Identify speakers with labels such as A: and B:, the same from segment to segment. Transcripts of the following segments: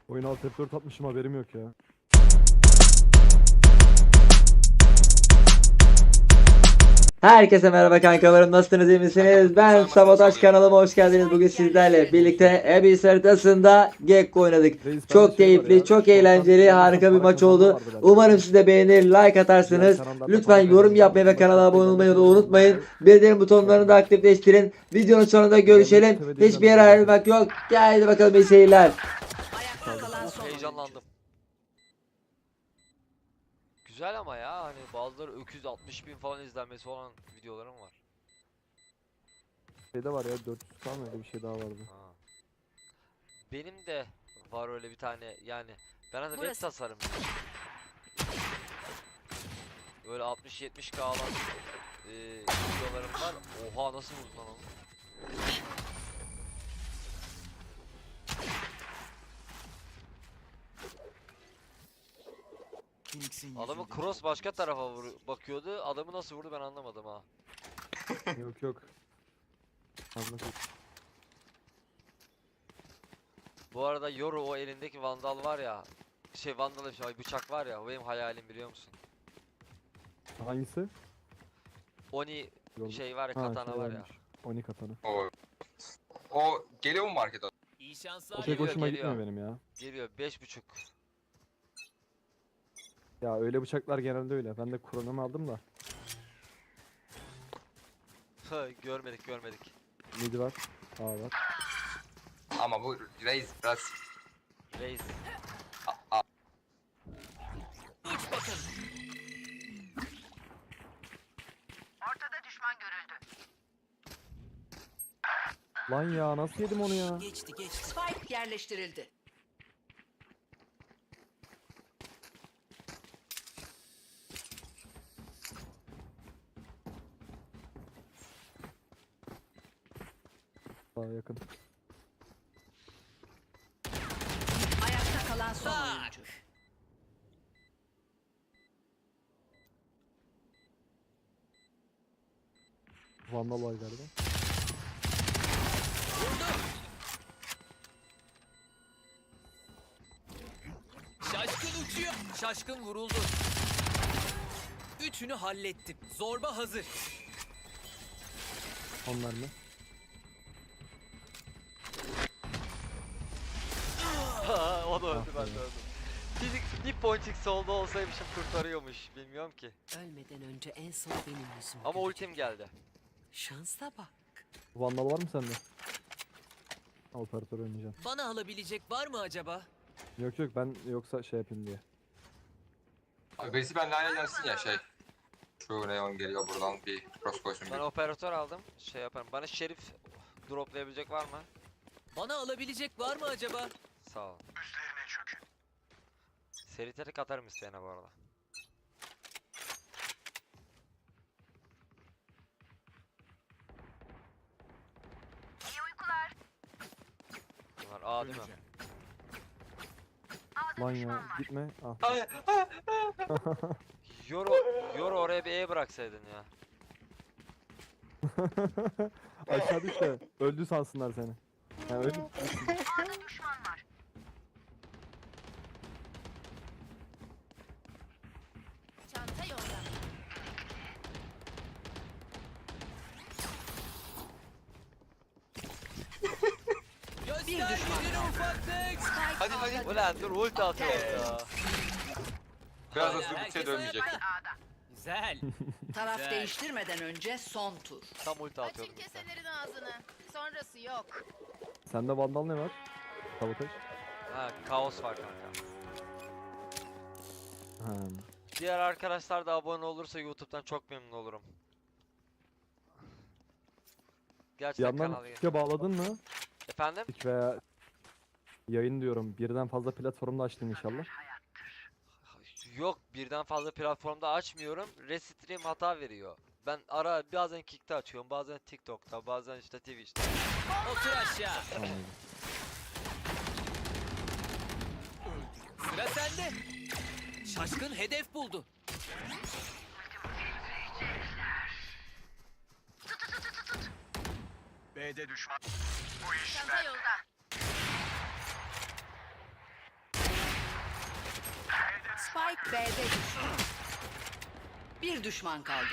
A: Oyun alt F4 atmışım, haberim yok ya.
B: Herkese merhaba kankalarım, nasılsınız, iyi misiniz? Ben Sabotaj, kanalıma hoş geldiniz. Bugün sizlerle birlikte Abyss haritasında Gekko oynadık.
A: Reis, bende
B: Çok
A: var
B: keyifli,
A: ya,
B: çok
A: korsan
B: eğlenceli,
A: yanılsam
B: harika bir
A: para
B: maç
A: kazanma
B: oldu.
A: vardı bende.
B: Umarım siz de beğenir, like
A: Diğer
B: atarsınız.
A: kanallarda
B: Lütfen
A: para
B: yorum
A: kazanacağım.
B: yapmayı ve
A: Başka
B: kanala abone
A: izleme
B: olmayı da
A: kanalında
B: unutmayın.
A: olmayı
B: Bildirim butonlarını da
A: unutmayın.
B: aktifleştirin. Videonun sonunda
A: Görmek
B: görüşelim.
A: istemediğim
B: Hiçbir yere
A: kanalda
B: ayrılmak yok. Haydi bakalım, iyi seyirler.
C: Ayakta kalan son oyuncu.
D: Heyecanlandım. Güzel ama ya, hani bazıları öküz 60.000 falan izlenmesi olan videolarım var.
A: Şeyde var ya, 400 falan öyle bir şey daha vardı.
D: Ha. Benim de var öyle bir tane, yani ben de web
C: Burası.
D: tasarımcıyım. Böyle 60-70K alan videolarım var. Oha, nasıl vurdun lan onu? Adamı cross başka tarafa bakıyordu. Adamı nasıl vurdu ben anlamadım ha.
A: Yok yok. Anladım.
D: Bu arada Yoru, o elindeki vandal var ya. Vandal şey, bıçak var ya, o benim hayalim, biliyor musun?
A: Hangisi?
D: Oni
A: Yol-
D: şey var ya,
A: Ha,
D: katana
A: şey
D: var ya.
A: varmış. Oni katana.
E: O geliyor mu markete?
C: İyi
A: O
C: şanslar.
A: pek
D: Geliyor,
A: hoşuma
D: geliyor.
A: gitmiyor benim ya.
D: Geliyor 5.5.
A: Ya öyle bıçaklar genelde öyle. Ben de kronomu aldım da.
D: Görmedik.
A: Mid var. A var.
E: Ama bu reis biraz
D: Reis.
C: Uç bakın.
A: Lan ya, nasıl yedim onu ya?
C: Geçti. Spike yerleştirildi.
A: Daha yakın.
C: Ayakta kalan son oyuncu.
A: Vandal var galiba.
F: Şaşkın uçuyor. Şaşkın vuruldu. Üçünü hallettim. Zorba hazır.
A: Onlar mı?
D: O da öldü, ben de öldüm. Bir ponçik solda olsaymışım kurtarıyormuş, bilmiyorum ki.
C: Ölmeden önce en son benim yüzüm.
D: Ama ultim geldi.
C: Şansa bak.
A: Vandal var mı sende? Operatör oynayacağım.
F: Bana alabilecek var mı acaba?
A: Yok yok, ben yoksa şey yapayım diye.
E: abi birisi benimle aynı gelsin ya şey. Şu neon geliyor buradan bir cross koysun
D: Ben
E: bir.
D: operatör aldım, şey yaparım. Bana şerif droplayabilecek var mı?
F: Bana alabilecek var mı acaba?
D: Sağ ol. Üstlerine çökün. Seri terik atarım isteyene bu arada. Bunlar A değil mi?
A: Lan ya, gitme. Ah.
D: Yoru oraya bir E bıraksaydın ya.
A: Aşağı düş de öldü sansınlar seni. Ha, öldü.
G: Çanta yolda.
F: Göster gücünü ufaklık.
E: Hadi.
D: Ulan dur, ulti atıyorum ya.
E: Biraz da
F: Hala
E: su
F: herkes
E: bitse dönmeyecek.
F: ayakta. Güzel.
C: Taraf
F: Güzel.
C: değiştirmeden önce son tur.
D: Tam ulti
G: Açın
D: atıyordum işte.
G: keselerin ağzını. Sonrası yok.
A: Sende vandal ne var? Sabotaj.
D: Ha, kaos var kanka.
A: Ha.
D: Diğer arkadaşlar da abone olursa YouTube'dan çok memnun olurum.
A: Bir
D: Gerçekten
A: yandan
D: kanal
A: Twitch'e bağladın mı?
D: Efendim?
A: Twitch veya yayın diyorum. Birden fazla platformda açtın inşallah.
D: Yok, birden fazla platformda açmıyorum. Restream hata veriyor. Ben bazen Kick'te açıyorum, bazen TikTok'ta, bazen işte Twitch'te.
F: Otur aşağı.
A: Anladım.
F: Sıra sende. Şaşkın hedef buldu.
G: Çanta yolda.
C: Spike B'de düştü. Bir düşman kaldı.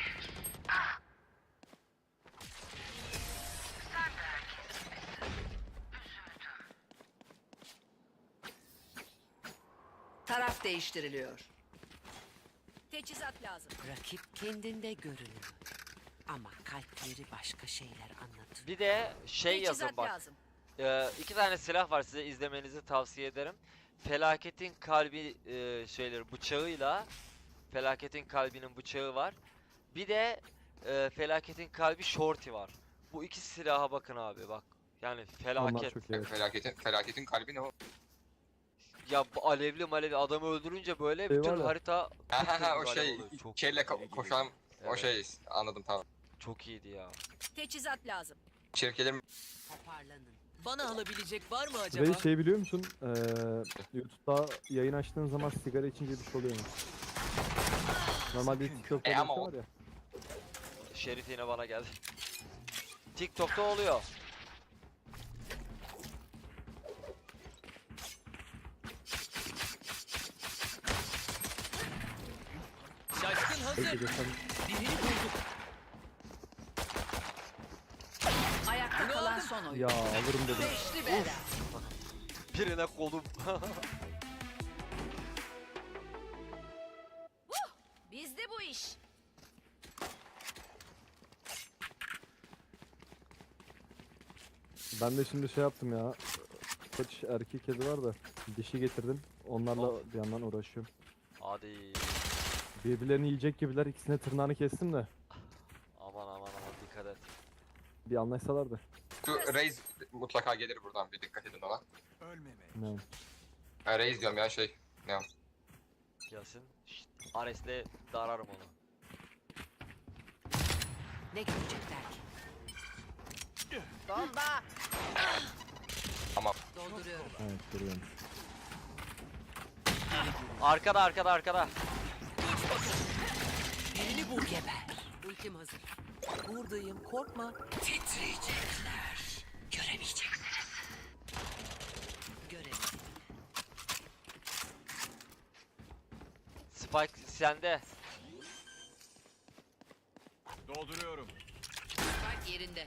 C: Taraf değiştiriliyor.
G: Teçhizat lazım.
C: Rakip kendinde görünüyor. Ama kalpleri başka şeyler anlatıyor.
D: Bir de şey yazın
G: Teçhizat
D: bak.
G: lazım.
D: 2 tane silah var, size izlemenizi tavsiye ederim. Felaketin kalbi şeyleri bıçağıyla Felaketin kalbinin bıçağı var. Bir de Felaketin kalbi shorty var. Bu iki silaha bakın abi bak. Yani
A: Onlar
D: felaket.
A: çok iyi. Evet.
E: Felaketin kalbi ne o?
D: Ya bu alevli adamı öldürünce böyle
A: Şey
D: bütün
A: var ya.
D: harita
E: Ha o
D: alev
E: şey
D: oluyor. Çok
E: kelle
D: iyi.
E: koşan o
D: Evet.
E: şey anladım tamam.
D: Çok iyiydi ya.
G: Teçhizat lazım.
E: Şirkelerin
C: Toparlanın.
F: Bana alabilecek var mı acaba?
A: Ve şey biliyor musun? YouTube'da yayın açtığın zaman sigara içince bir şey oluyor mu? Normalde TikTok'ta bir
E: ama
A: şey
E: o-
A: var ya.
D: Şerif yine bana geldi. TikTok'ta oluyor.
F: Şaşkın hazır.
A: Peki de sen
F: Birini bulduk.
C: Ayakta
F: Ne
C: kalan
F: oldu?
C: son oyun.
A: ya alırım dedim.
C: Beşli bela.
D: Birine kolum.
G: Bizde bu iş.
A: Ben de şimdi şey yaptım ya. Kaç erkek kedi var da dişi getirdim. Onlarla bir yandan uğraşıyorum.
D: Hadi.
A: Birbirlerini yiyecek gibiler, ikisine tırnağını kestim de
D: Aman dikkat et.
A: bir anlaşsalardı.
E: şu Reis mutlaka gelir buradan bir dikkat edin ona.
A: Ne?
E: Reis diyorum ya şey. Ne o?
D: Gelsin. Şşt, Ares'le dararım onu.
C: Ne görecekler ki?
G: Bomba.
C: Dolduruyorum.
A: Evet görüyorum.
D: Arkada.
C: Birini bul geber. Ultim hazır. Buradayım korkma. Titriyecekler. Göremeyeceksiniz. Görelim.
D: Spike sende.
H: Dolduruyorum.
C: Spike yerinde.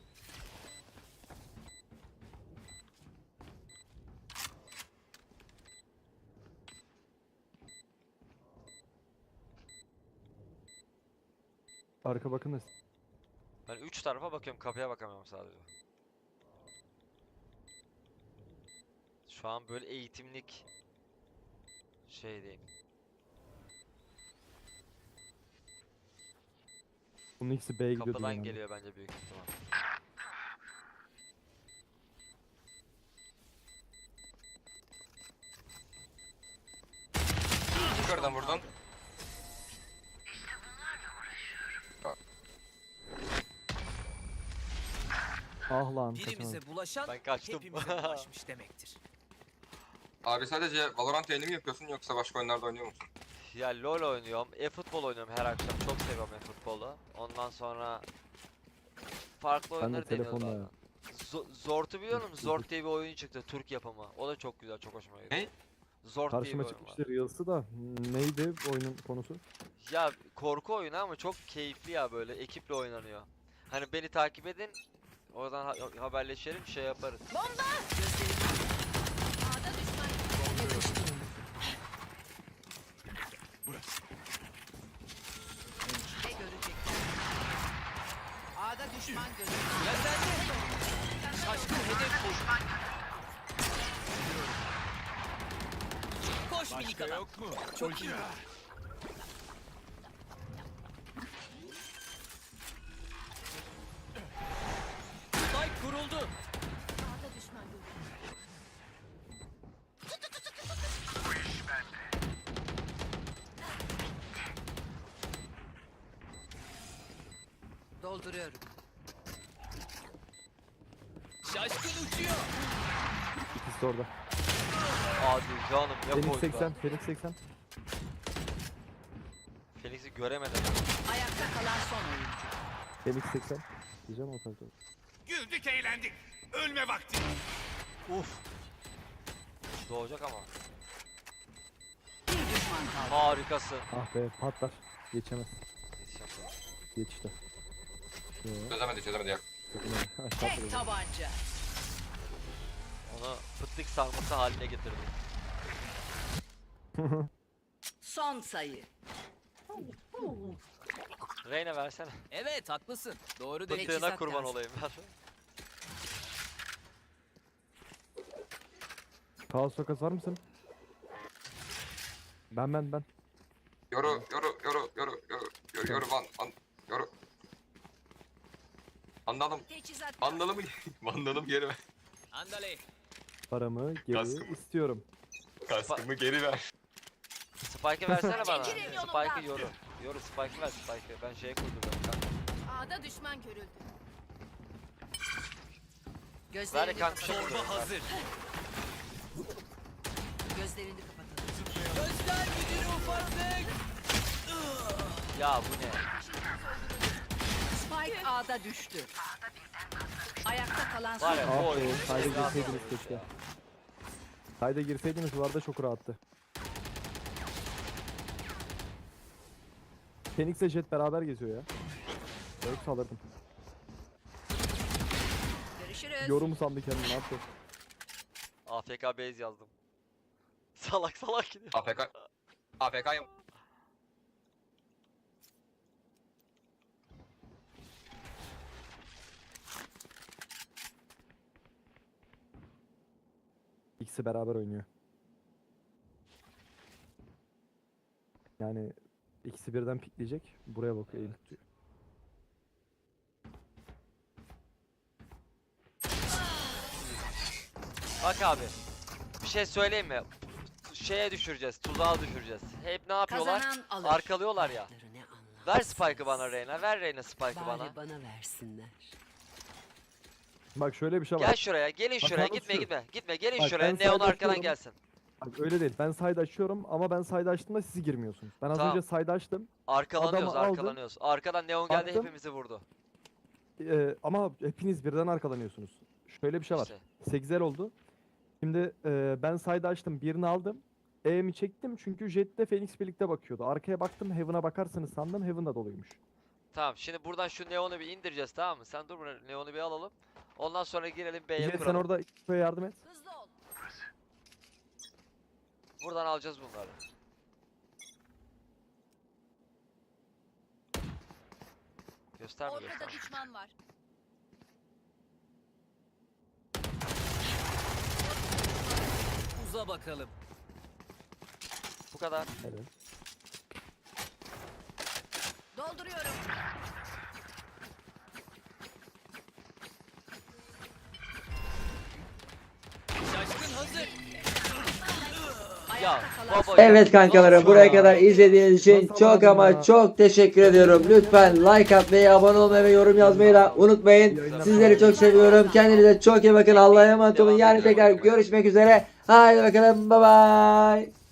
A: Arka bakın.
D: Ben 3 tarafa bakıyorum, kapıya bakamıyorum sadece. Şu an böyle eğitimlik şeydeyim.
A: Bunun ikisi B'ye gidiyordu.
D: Kapıdan
A: genelde.
D: geliyor bence büyük ihtimal.
E: Yukarıdan vurdun.
A: Ah lan kaçamadım.
F: Birimize bulaşan
D: Ben kaçtım.
F: hepimize bulaşmış demektir.
E: Abi sadece Valorant yayını mı yapıyorsun yoksa başka oyunlarda oynuyor musun?
D: Ya LoL oynuyorum, e-futbol oynuyorum her akşam. Çok seviyorum e-futbolu. Ondan sonra farklı
A: Ben de
D: oyunları deniyorum.
A: telefonla
D: bazen. Zort'u biliyor musun? Zort diye bir oyun çıktı, Türk yapımı. O da çok güzel, çok hoşuma gitti.
E: Ne?
D: Zort diye bir
A: Karşıma
D: oyun var.
A: çıkmıştı Reels'ı da neydi oyunun konusu?
D: Ya korku oyunu ama çok keyifli ya, böyle ekiple oynanıyor. Hani beni takip edin, oradan haberleşelim, şey yaparız.
G: A'da düşman.
C: Ne görecekler? A'da düşman görüldü.
F: Sıra sende. Şaşkın hedef buldu. Koş minik
H: Başka
F: adam.
H: yok mu?
F: Çok iyi. Spike kuruldu.
G: A'da düşman görüldü.
C: Dolduruyorum.
F: Şaşkın uçuyor.
A: İkisi de orada.
D: Hadi canım, ne
A: Phoenix
D: koydu
A: 80, Phoenix 80.
D: Phoenix'i göremedim.
C: Ayakta kalan son oyuncu.
A: Phoenix 80. Diyeceğim o tabii.
H: Güldük eğlendik. Ölme vakti.
D: Uf. Doğacak ama.
C: Bir düşman kaldı.
D: Harikasın.
A: Ah be patlar. Geçemez. Geçti.
E: Çözemedi ya.
A: Aşağı
C: Tek
A: atladı.
C: tabanca.
D: Onu fıtlık sarması haline getirdim.
C: Son sayı.
D: Reyna versene.
F: Evet haklısın. Doğru değil.
D: Fıttığına
C: Teçhizat
D: kurban
C: lazım.
D: olayım ver.
A: Kaos sokası var mısın? Ben.
E: Yoru yoru. Anladım.
G: Teçhizat lazım.
E: Vandalımı vandalım geri ver.
F: Andale.
A: Paramı geri
E: Kaskımı.
A: istiyorum.
E: Kaskımı geri ver.
D: Spike'ı versene bana.
G: Çekilin yolumdan.
D: Spike'ı yoru. Yoru Spike'ı ver Spike'ı. Ben şeye kurdum.
G: A'da düşman görüldü.
D: Ver
C: Gözlerini
D: kanka şey
C: kapatalım.
F: Torba hazır.
C: Gözlerini kapatalım.
F: Göster gücünü ufaklık.
D: Ya bu ne?
C: Spike A'da düştü. Ayakta kalan
D: Var
C: son.
D: ya
A: Ah
D: bu oyun.
A: be kayda
D: rahat
A: girseydiniz
D: olmuş
A: keşke.
D: ya.
A: Kayda girseydiniz bu arada çok rahattı. Phoenix'le Jet beraber geziyor ya. Yoksa alırdım.
G: Görüşürüz.
A: Yorum sandı kendini ne yaptı?
D: AFK base yazdım. Salak gidiyor.
E: AFK'yım.
A: İkisi beraber oynuyor. Yani ikisi birden pikleyecek. Buraya bakıyor eğim tutuyor.
D: Bak abi. Bir şey söyleyeyim mi? Şeye düşüreceğiz. Tuzağa düşüreceğiz. Hep ne yapıyorlar?
C: Kazanan alır.
D: Arkalıyorlar ya.
C: Lafları ne anlamsız.
D: Ver Spike'ı bana Reyna. Ver Reyna Spike'ı bana.
C: Bari bana versinler.
A: Bak şöyle bir şey var.
D: Gel şuraya. Gelin
A: Bak
D: şuraya.
A: abi
D: Gitme
A: şu.
D: gitme. Gitme. Gelin
A: Bak
D: şuraya.
A: ben
D: Neon
A: side
D: arkadan
A: açıyorum.
D: gelsin.
A: Bak öyle değil. Ben side açıyorum ama ben side açtığımda siz girmiyorsunuz. Ben az
D: Tamam.
A: önce side açtım.
D: Arkalanıyoruz.
A: Adamı aldım.
D: Arkalanıyoruz. Arkadan Neon geldi
A: Attım.
D: hepimizi vurdu.
A: Ama hepiniz birden arkalanıyorsunuz. Şöyle bir şey var.
D: İşte.
A: 8'er oldu. Şimdi ben side açtım. Birini aldım. E'mi çektim çünkü Jet'le Phoenix birlikte bakıyordu. Arkaya baktım Heaven'a bakarsınız sandım. Heaven da doluymuş.
D: Tamam şimdi buradan şu Neon'u bir indireceğiz tamam mı? Sen dur buraya Neon'u bir alalım. Ondan sonra girelim B'ye
A: Jet sen
D: kuralım.
A: orada X'e yardım et.
G: Hızlı ol.
D: Buradan alacağız bunları. Gösterme
G: Ortada
D: gösterme.
G: düşman var.
F: Uza bakalım.
D: Bu kadar.
A: Evet.
G: Dolduruyorum.
F: Şaşkın hazır.
D: Ya
C: Ayakta kalan
D: baba
B: Evet kankalarım
D: Nasıl
B: buraya
D: ya?
B: kadar izlediğiniz için
A: Nasıl
B: çok
A: alamadın
B: ama
A: ya?
B: çok teşekkür ediyorum. Lütfen like atmayı, abone olmayı ve yorum yazmayı da unutmayın. Sizleri çok seviyorum. Kendinize çok iyi bakın. Allah'a emanet olun. Yarın tekrar görüşmek üzere. Haydi bakalım. Bye bye.